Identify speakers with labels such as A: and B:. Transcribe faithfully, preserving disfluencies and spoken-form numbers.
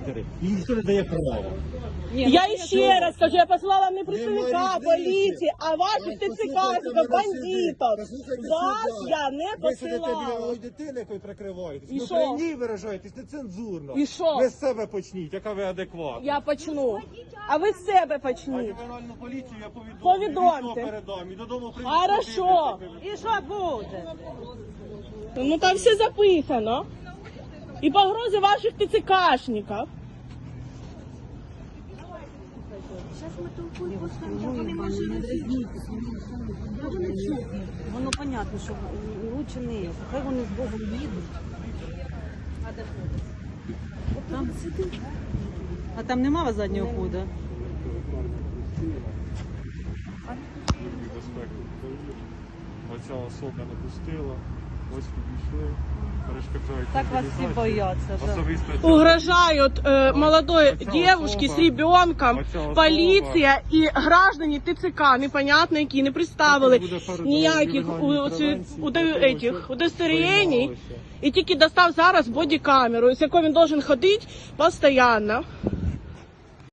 A: матері. Їй ніхто не дає права.
B: Я ще раз кажу, я послала не представника поліції, а ваших ТЦКшників, бандитів. Вас я не
A: Ви сидите біля
B: посилала.
A: малої дитини, якою прикриваєтесь.
B: І
A: Ви
B: що?
A: при ній виражаєтесь нецензурно.
B: І що?
A: Ви з себе почніть, яка ви адекватна.
B: Я почну. А ви з себе
A: А
B: почніть.
A: ювенальну поліцію я повідомлю.
B: Повідомте.
A: І передам. І додому прийдуть.
B: Хорошо.
C: І що буде?
B: Ну там все записано. І погрози ваших ТЦКшників.
C: Воно понятно, що лучше не. Хай вони з Богом їдуть. Там сидить. А там нема заднього ходу?
A: Оця особа не пустила. Ось підійшли. Перешкоджають.
C: Так вас всі бояться. Да.
A: Особисто
B: Угрожают э, молодой
A: Оця
B: девушке
A: особа-
B: с ребенком,
A: оця особа-
B: поліція і граждані ТЦК, непонятно які, не представили
A: Буде передано
B: ніяких у,
A: ювенальній
B: оці-
A: превенції
B: уде-
A: для того,
B: этих
A: щоб
B: удостоверень.
A: приймалося.
B: І тільки достав зараз бодікамеру, з якою він должен ходити постійно.